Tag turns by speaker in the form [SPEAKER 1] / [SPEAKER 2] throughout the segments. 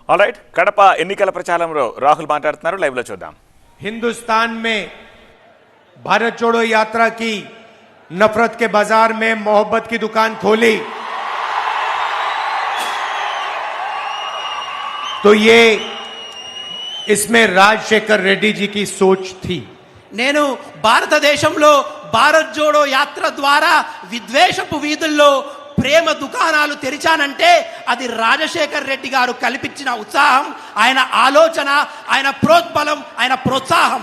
[SPEAKER 1] Alright Kadapa ఎన్నికల ప్రచారంలో రాహుల్ మాట్లాడుతున్నారు, లైవ్ లో చూద్దాం.
[SPEAKER 2] हिंदुस्तान में भारत जोड़ो यात्रा की नफरत के बाजार में मोहब्बत की दुकान खोली तो ये इसमें राजशेखर रेड्डी जी की सोच थी.
[SPEAKER 3] నేను భారతదేశంలో భారత్ జోడో యాత్ర ద్వారా విద్వేషపు వీధుల్లో ప్రేమ దుకాణాలు తెరిచానంటే అది రాజశేఖర్ రెడ్డి గారు కల్పించిన ఉత్సాహం, ఆయన ఆలోచన, ఆయన ప్రోద్బలం, ఆయన ప్రోత్సాహం.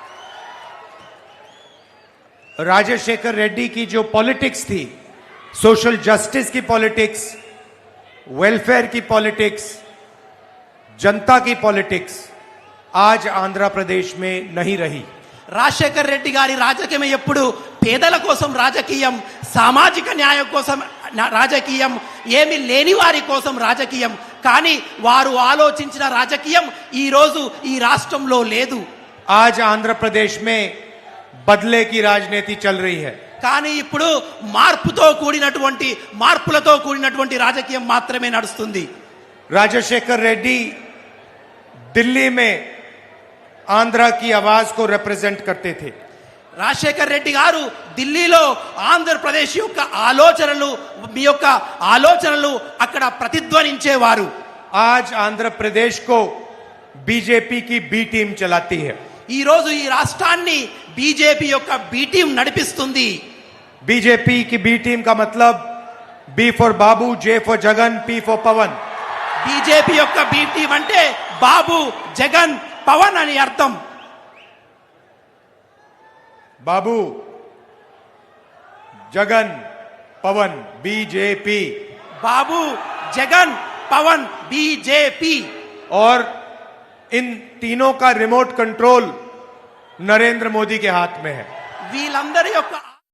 [SPEAKER 2] राजशेखर रेड्डी की जो पॉलिटिक्स थी, सोशल जस्टिस की पॉलिटिक्स, वेलफेयर की पॉलिटिक्स, जनता की पॉलिटिक्स आज आंध्र प्रदेश में नहीं रही.
[SPEAKER 3] రాజశేఖర్ రెడ్డి గారి రాజకీయం ఎప్పుడు పేదల కోసం రాజకీయం, సామాజిక న్యాయం కోసం రాజకీయం, ఏమి లేని వారి కోసం రాజకీయం. కానీ వారు ఆలోచించిన రాజకీయం ఈ రోజు ఈ రాష్ట్రంలో లేదు.
[SPEAKER 2] आज आंध्र प्रदेश में बदले की राजनीति चल रही है.
[SPEAKER 3] కానీ ఇప్పుడు మార్పులతో కూడినటువంటి రాజకీయం మాత్రమే నడుస్తుంది.
[SPEAKER 2] राजशेखर रेड्डी दिल्ली में आंध्र की आवाज को रिप्रेजेंट करते थे.
[SPEAKER 3] రాజశేఖర్ రెడ్డి గారు ఢిల్లీలో ఆంధ్రప్రదేశ్ యొక్క ఆలోచనలు అక్కడ ప్రతిధ్వనించేవారు.
[SPEAKER 2] आज आंध्र प्रदेश को बीजेपी की बी टीम चलाती है.
[SPEAKER 3] ఈ రోజు ఈ రాష్ట్రాన్ని బీజేపీ యొక్క బి టీం నడిపిస్తుంది.
[SPEAKER 2] बीजेपी की बी टीम का मतलब B for Babu, J for Jagan, P for Pawan.
[SPEAKER 3] BJP యొక్క బి టీం అంటే బాబు, జగన్, పవన్ అని అర్థం.
[SPEAKER 2] बाबू, जगन, पवन, बीजेपी.
[SPEAKER 3] బాబు, జగన్, పవన్, బీజేపీ.
[SPEAKER 2] और इन तीनों का रिमोट कंट्रोल नरेंद्र मोदी के हाथ में है.
[SPEAKER 3] వీళ్ళందరి యొక్క